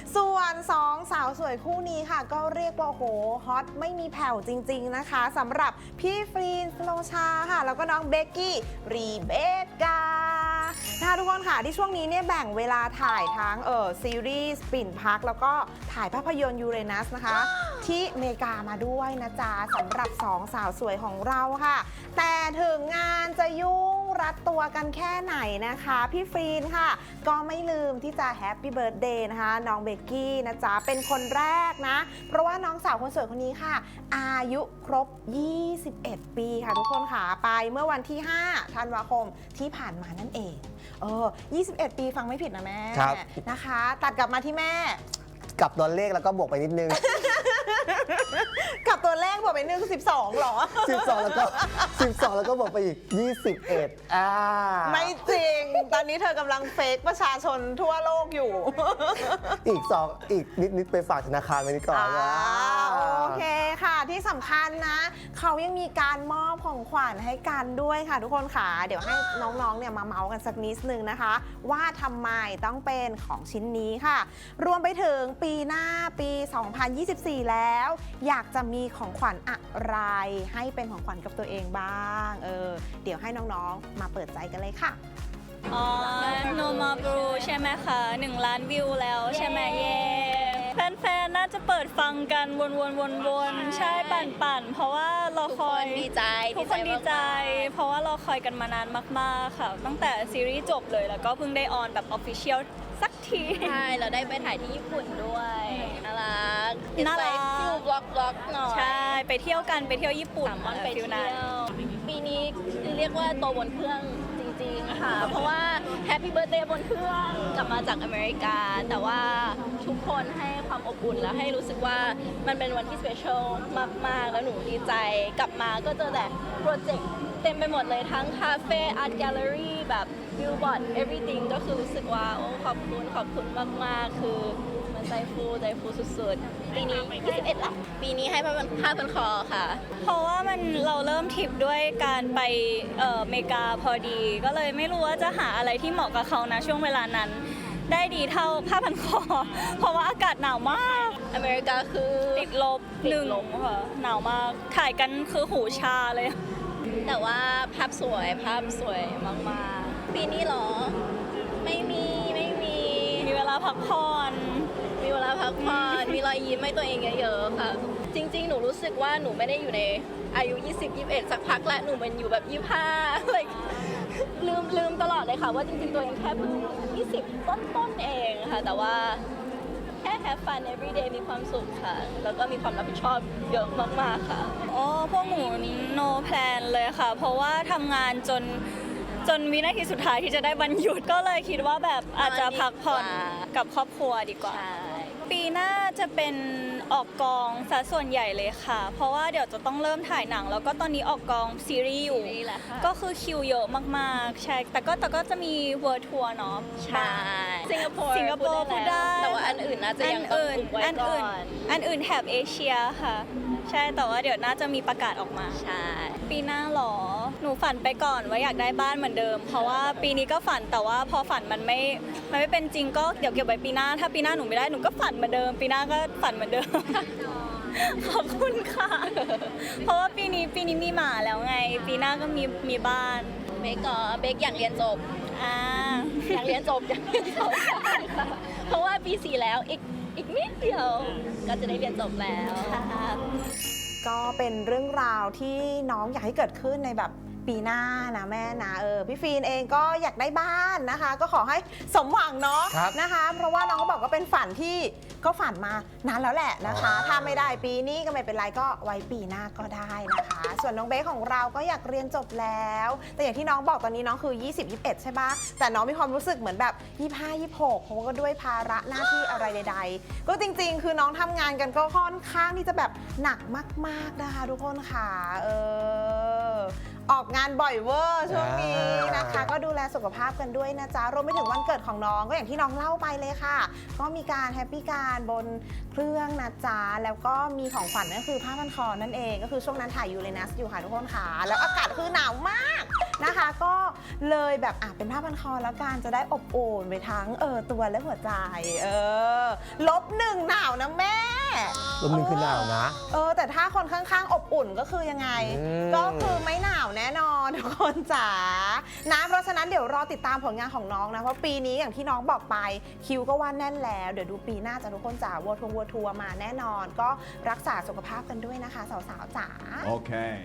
ส่วน2สาวสวยคู่นี้ค่ะก็เรียกว่าโหฮอตไม่มีแผ่วจริงๆนะคะสำหรับพี่ฟรีนสโลชาค่ะแล้วก็น้องเบกกี้รีเบคกานะคะทุกคนค่ะที่ช่วงนี้เนี่ยแบ่งเวลาถ่ายทั้งซีรีส์ปิ่นพักแล้วก็ถ่ายภาพยนตร์ยูเรนัสนะคะ ที่อเมริกามาด้วยนะจ๊ะสำหรับ2สาวสวยของเราค่ะแต่ถึงงานจะยุ่งรัดตัวกันแค่ไหนนะคะพี่ฟรีนค่ะก็ไม่ลืมที่จะแฮปปี้เบิร์ธเดย์นะคะน้องเบกกี้นะจ๊ะเป็นคนแรกนะเพราะว่าน้องสาวคนสวยคนนี้ค่ะอายุครบ21 ปีค่ะทุกคนค่ะไปเมื่อวันที่5ธันวาคมที่ผ่านมานั่นเอง21 ปีฟังไม่ผิดนะแม่นะคะตัดกลับมาที่แม่กับตัวเลขแล้วก็บวกไปนิดนึงกับตัวเลขบวกไป1 12หรอ 12แล้วก็บวกไปอีก21 ไม่จริงตอนนี้เธอกำลังเฟกประชาชนทั่วโลกอยู่อีกนิดไปฝากธนาคารไว้นี่ก่อนโอเคค่ะที่สำคัญนะเขายังมีการมอบของขวัญให้กันด้วยค่ะทุกคนค่ะเดี๋ยวให้น้องๆเนี่ยมาเมาส์กันสักนิดนึงนะคะว่าทำไมต้องเป็นของชิ้นนี้ค่ะรวมไปถึงปีหน้าปี 2024 แล้วอยากจะมีของขวัญอะไรให้เป็นของขวัญกับตัวเองบ้างเดี๋ยวให้น้องๆมาเปิดใจกันเลยค่ะโนมาบรูใช่ไหมคะ1 ล้านวิวแล้วใช่ไหมเย่แฟนๆน่าจะเปิดฟังกันวนๆใช่ปั่นเพราะว่าเราคอยดีใจทุกคนดีใจเพราะว่าเราคอยกันมานานมากๆค่ะตั้งแต่ซีรีส์จบเลยแล้วก็เพิ่งได้ออนแบบออฟฟิเชียลสักทีใช่เราได้ไปถ่ายที่ญี่ปุ่นด้วยน่ารักฟิลบล็อกหน่อยใช่ไปเที่ยวกันไปเที่ยวญี่ปุ่น 3 วันไปเที่ยวปีนี้เรียกว่าโตบนเครื่องจริงๆค่ะเพราะว่าแฮปปี้เบิร์ธเดย์บนเครื่องกลับมาจากอเมริกาแต่ว่าทุกคนให้ความอบอุ่นแล้วให้รู้สึกว่ามันเป็นวันที่สเปเชียลมากๆแล้วหนูดีใจกลับมาก็เจอแต่โปรเจกต์เต็มไปหมดเลยทั้งคาเฟ่อาร์ตแกลเลอรี่แบบบิลบอร์ด everything ก็คือรู้สึกว่าโอ้ขอบคุณมากๆคือมันใจฟูสุดๆปีนี้21ละปีนี้ให้ผ้าพันคอค่ะเพราะว่าเราเริ่มทริปด้วยการไปอเมริกาพอดีก็เลยไม่รู้ว่าจะหาอะไรที่เหมาะกับเขานะช่วงเวลานั้นได้ดีเท่าผ้าพันคอเพราะว่าอากาศหนาวมากอเมริกาคือติดลบ1ค่ะหนาวมากถ่ายกันคือหูชาเลยแต่ว่าภาพสวยมากๆปีนี้หรอไม่มีเวลาพักผ่อนมีรอยยิ้มให้ตัวเองเยอะๆค่ะจริงๆหนูรู้สึกว่าหนูไม่ได้อยู่ในอายุ20-21สักพักแล้วหนูมันอยู่แบบ25like ลืมตลอดเลยค่ะว่าจริงๆตัวเองแค่เพิ่ง20ต้นเองค่ะแต่ว่าแค่ have fun every day มีความสุขค่ะแล้วก็มีความรับผิดชอบเยอะมากๆค่ะพวกหนู no plan เลยค่ะเพราะว่าทำงานจนวินาทีสุดท้ายที่จะได้วันหยุดก็เลยคิดว่าแบบอาจจะพักผ่อนกับครอบครัวดีกว่าปีหน้าจะเป็นออกกองซะส่วนใหญ่เลยค่ะเพราะว่าเดี๋ยวจะต้องเริ่มถ่ายหนังแล้วก็ตอนนี้ออกกองซีรีส์อยู่ก็คือคิวเยอะมากๆใช่แต่ก็จะมีเวิร์ทัวร์เนาะใช่สิงคโปร์พูดได้แต่ว่าอันอื่นน่าจะยังต้องอุบไว้ก่อนอันอื่นแถบเอเชียค่ะใช่แต่ว่าเดี๋ยวน่าจะมีประกาศออกมาใช่ปีหน้าหรอหนูฝันไปก่อนว่าอยากได้บ้านเหมือนเดิมเพราะว่าปีนี้ก็ฝันแต่ว่าพอฝันมันไม่เป็นจริงก็เดี๋ยวเก็บไว้ปีหน้าถ้าปีหน้าหนูไม่ได้หนูก็ฝันเหมือนเดิมปีหน้าก็ฝันเหมือนเดิมขอบคุณค่ะเพราะว่าปีนี้มีหมาแล้วไงปีหน้าก็มีบ้านเบกอยากเรียนจบอยากเรียนจบเพราะว่าปี4แล้วอีกนิดเดียวก็จะได้เรียนจบแล้วก็เป็นเรื่องราวที่น้องอยากให้เกิดขึ้นในแบบปีหน้านะแม่นะพี่ฟีนเองก็อยากได้บ้านนะคะก็ขอให้สมหวังเนาะนะคะเพราะว่าน้องก็บอกก็เป็นฝันที่ก็ฝันมานานแล้วแหละนะคะถ้าไม่ได้ปีนี้ก็ไม่เป็นไรก็ไว้ปีหน้าก็ได้นะคะส่วนน้องเบคของเราก็อยากเรียนจบแล้วแต่อย่างที่น้องบอกตอนนี้น้องคือ20-21ใช่ปะแต่น้องมีความรู้สึกเหมือนแบบ25-26เพราะว่าก็ด้วยภาระหน้าที่อะไรใดๆก็จริงๆคือน้องทำงานกันก็ค่อนข้างที่จะแบบหนักมากๆนะคะทุกคนค่ะออกงานบ่อยเวอร์ช่วงนี้นะคะก็ดูแลสุขภาพกันด้วยนะจ๊ะรวมไปถึงวันเกิดของน้องก็อย่างที่น้องเล่าไปเลยค่ะก็มีการแฮปปี้การบนเครื่องนะจ๊ะแล้วก็มีของขวัญก็คือผ้าพันคอนั่นเองก็คือช่วงนั้นถ่ายยูเรนัสอยู่ค่ะทุกคนค่ะแล้วอากาศคือหนาวมากนะคะ ก็เลยแบบเป็นผ้าพันคอแล้วกันจะได้อบอุ่นไปทั้งตัวและหัวใจ-1 หนาวนะแม่ -1 คือหนาวนะแต่ถ้าคนข้างๆอบอุ่นก็คือยังไง ก็คือไม่หนาวแน่นอนทุกคนจ๋านะเพราะฉะนั้นเดี๋ยวรอติดตามผลงานของน้องนะเพราะปีนี้อย่างที่น้องบอกไปคิวก็ว่าแน่นแล้วเดี๋ยวดูปีหน้าจะทุกคนจ๋าวัวทัวร์มาแน่นอนก็รักษาสุขภาพกันด้วยนะคะสาวๆจ๋า Okay.